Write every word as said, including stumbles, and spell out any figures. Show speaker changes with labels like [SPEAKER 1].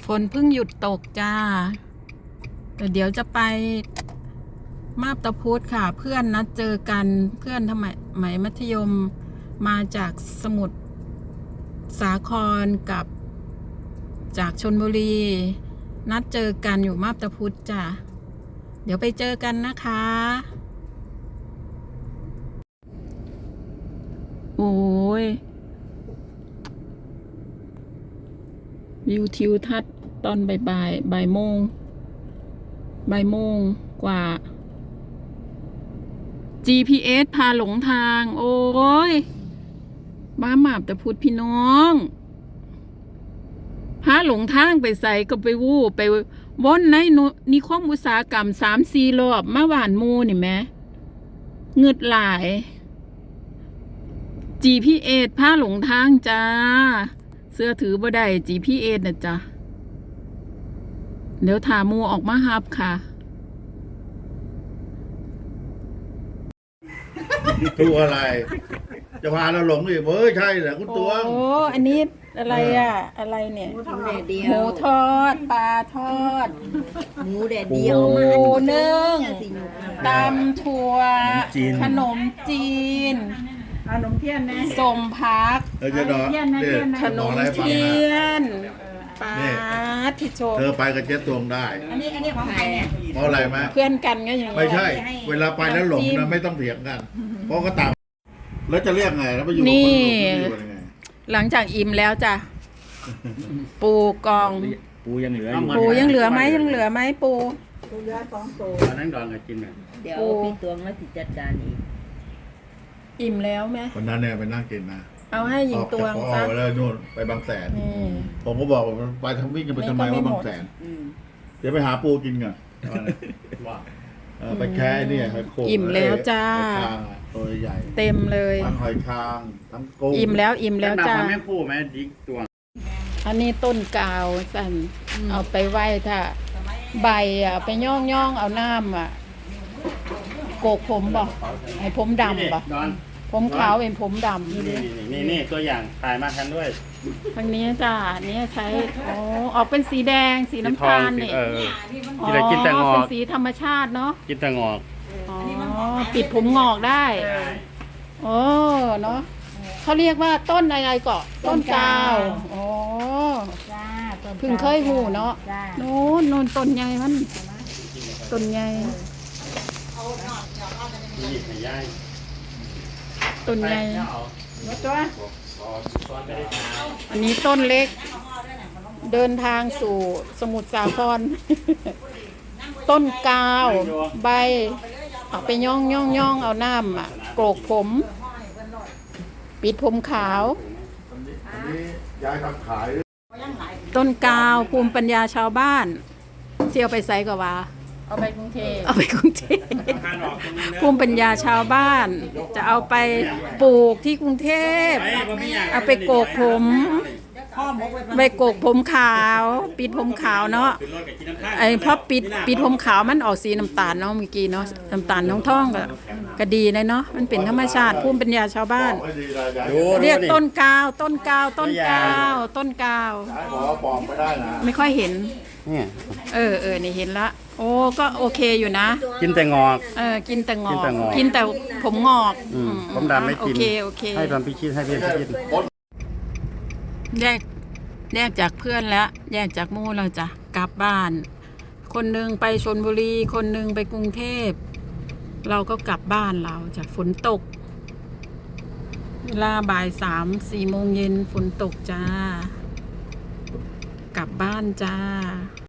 [SPEAKER 1] ฝนเพิ่งหยุดตกจ้าแต่เดี๋ยวจะไปมาบตาพุธค่ะเพื่อนนัดเจอกันเพื่อนทำไมไหมมัธยมมาจากสมุทรสาครกับจากชลบุรีนัดเจอกันอยู่มาบตาพุธจ้าเดี๋ยวไปเจอกันนะคะโอ้ยวิวทิวทัศน์ตอนบ่ายบ่ายบ่ายโมงบ่ายโมงกว่า จี พี เอส พาหลงทางโอ้ยบ้าหมาบแต่พูดพี่น้องพาหลงทางไปใส่ก็ไปวู้ไปว่นในนิคมอุตสาหกรรมสามสี่รอบมาหวานมูนี่แม่เงืดหลาย จี พี เอส พาหลงทางจ้าเสื้อถือบ่ได้ จี พี เอส นะจ๊ะเดี๋ยวถามูออกมาฮับค่ะ
[SPEAKER 2] ตัวอะไรจะพาเราหลงอีกเฮ้ยใช่เหรอคุณตัวง
[SPEAKER 1] โอ้อันนี้อะไรอ่ะอะไรเนี่ย
[SPEAKER 3] หมูแดดเดีย
[SPEAKER 1] หมู
[SPEAKER 3] ว
[SPEAKER 1] ทอดปลาทอด
[SPEAKER 3] หมูแดดเดียว
[SPEAKER 1] หมูนึ่ง
[SPEAKER 3] สีหนุก
[SPEAKER 1] ตำถั่วขนมจีน
[SPEAKER 4] ขนมเทียนนะ
[SPEAKER 1] สมพัก
[SPEAKER 2] เออจะนอนเนี่ย
[SPEAKER 1] ขนม
[SPEAKER 2] อะไรฟัง
[SPEAKER 1] เที
[SPEAKER 2] นะ
[SPEAKER 1] ยนปลาทิโช
[SPEAKER 2] เธอไปกับเจ๊ตวงได้
[SPEAKER 4] อันนี้อันนี้ของใครเนี่ย
[SPEAKER 2] เพราะอะไรไหม
[SPEAKER 1] เพื่อนกันก็อย่าง
[SPEAKER 2] ไม่
[SPEAKER 1] นี้
[SPEAKER 2] ใช่ เวลาไปแล้วหลงนะไม่ต้องเถียงกัน เพราะก็ตามแล้วจะเรียกไงแล้วไปอยู่กับคนหลงจะอยู่ยังไง
[SPEAKER 1] หลังจากอิ่มแล้วจ้ะปูกอง
[SPEAKER 5] ปูยังเหลืออยู่
[SPEAKER 1] ปูยังเหลือไหมยังเหลือไหมปู
[SPEAKER 4] ตัวเรือสองตัว
[SPEAKER 5] ตอนนั้นดอนก็กินแบบ
[SPEAKER 3] เดี๋ยวพี่ตวงแล้วติดจัดการอีก
[SPEAKER 1] อิ่มแล้วไหม
[SPEAKER 2] วันนั้นเนี่ยไปนั่งกินนะ
[SPEAKER 1] เอาให้หญิ
[SPEAKER 2] อง อก
[SPEAKER 1] ตว
[SPEAKER 2] จาก
[SPEAKER 1] ง
[SPEAKER 2] พอ
[SPEAKER 1] ซะ
[SPEAKER 2] ไปแล้วนู่นไปบางแสน
[SPEAKER 1] นี่
[SPEAKER 2] ผมก็บอกว่าไปทำวิ่งกันไปทำไม
[SPEAKER 1] นี่ก็ไม่
[SPEAKER 2] ว่า
[SPEAKER 1] หมด
[SPEAKER 2] บางแสน
[SPEAKER 3] อืม
[SPEAKER 2] เดี๋ยวไปหาปูกินกันเออไปแค่เนี่ยไปโขก
[SPEAKER 1] อิ่มแล้วจ้า
[SPEAKER 2] หอยคางอะตัวใหญ่
[SPEAKER 1] เต็มเลย
[SPEAKER 2] ทั้งหอยคางทั้งกุ้ง
[SPEAKER 1] อิ่มแล้วอิ่มแล้วจ้า
[SPEAKER 5] แม่ปูแม่ดิกตัว
[SPEAKER 1] อันนี้ต้นกาวสั่นเอาไปไว้ถ้าใบอ่ะไปย่องย่องเอาน้ำอ่ะโกกผมบ่ให้ผมดำบ่
[SPEAKER 5] ดอน
[SPEAKER 1] ผมขาวเป็นผมดำ
[SPEAKER 5] นี่นี่นี่ตัวอย่างถ่ายมาทันด้วย
[SPEAKER 1] ทางนี้จ้าอันนี้ใช้อ๋อออกเป็นสีแดงสีน้ำตาลนี่
[SPEAKER 5] เออ
[SPEAKER 1] อ๋อ
[SPEAKER 5] กินแต่กินแต่งอก
[SPEAKER 1] เป็นสีธรรมชาติเนาะ
[SPEAKER 5] กินแต่งอก
[SPEAKER 1] อ๋อปิดผมงอกได้โอ้เนาะเขาเรียกว่าต้นอะไรเกาะต้นกาวอ๋อ
[SPEAKER 4] จ้าต้น
[SPEAKER 1] เพิ่งเคยหูเนาะ
[SPEAKER 4] จ้า
[SPEAKER 1] โน่นโน่นต้นใหญ่มันต้นใหญ่
[SPEAKER 5] นี่ให้ย่าย
[SPEAKER 1] ต้นใหญ่
[SPEAKER 4] หมดตัว
[SPEAKER 1] อันนี้ต้นเล็ก เดินทางสู่สมุทรสาคร ต้นกาวใบเอาไปย่องย่องย่องเอาน้ำอ่ะโกรกผม ปิดผมขาว
[SPEAKER 2] อันนี้ยายทำขาย
[SPEAKER 1] ต้นกาวภูมิปัญญาชาวบ้านเสี่ยวไปไซก็ว่า
[SPEAKER 4] เอาไปกรุงเทพ
[SPEAKER 1] เอาไปกรุงเทพภูมิปัญญาชาวบ้าน จะเอาไปปลูกที่กรุงเทพเอาไปโกกผมไปโกกผมขาว ปิดผมขาวเนาะไอ้พอปิดปิดผมขาวมันออกสีน้ำตาลเนาะเมื่อกี้เนาะน้ำตาลท้องท้องก็ก็ดีเลยเนาะมันเป็นธรรมชาติภูมิปัญญาชาวบ้าน
[SPEAKER 2] ไม่ดีนะยาย
[SPEAKER 5] ดู
[SPEAKER 1] เรียกต้นกาว ต้นกาว ต้นกาว ต้นกาว
[SPEAKER 2] ยายบอกว่าปลอมไม่ได้นะ
[SPEAKER 1] ไม่ค่อยเห็น
[SPEAKER 5] เนี่ย
[SPEAKER 1] เออเออนี่เห็นละ โอ้ก็โอเคอยู่นะ
[SPEAKER 5] กินแต่งอก
[SPEAKER 1] เออกินแต่งอ
[SPEAKER 5] กิน
[SPEAKER 1] ก
[SPEAKER 5] แต่งอก
[SPEAKER 1] กินแต่ผมงอก
[SPEAKER 5] อืม
[SPEAKER 1] อื
[SPEAKER 5] ผมดำไม่กิน
[SPEAKER 1] โอเคโอเค
[SPEAKER 5] ให้ทำพิชิตให้เพื่อนพิชิต
[SPEAKER 1] แยกแยกจากเพื่อนแล้ว แยกจากหมู่เราจ้ะกลับบ้าน คนหนึ่งไปชลบุรี คนหนึ่งไปกรุงเทพ เราก็กลับบ้านเราจากฝนตก เวลาบ่ายสามสี่โมงเย็นฝนตกจ้า กลับบ้านจ้า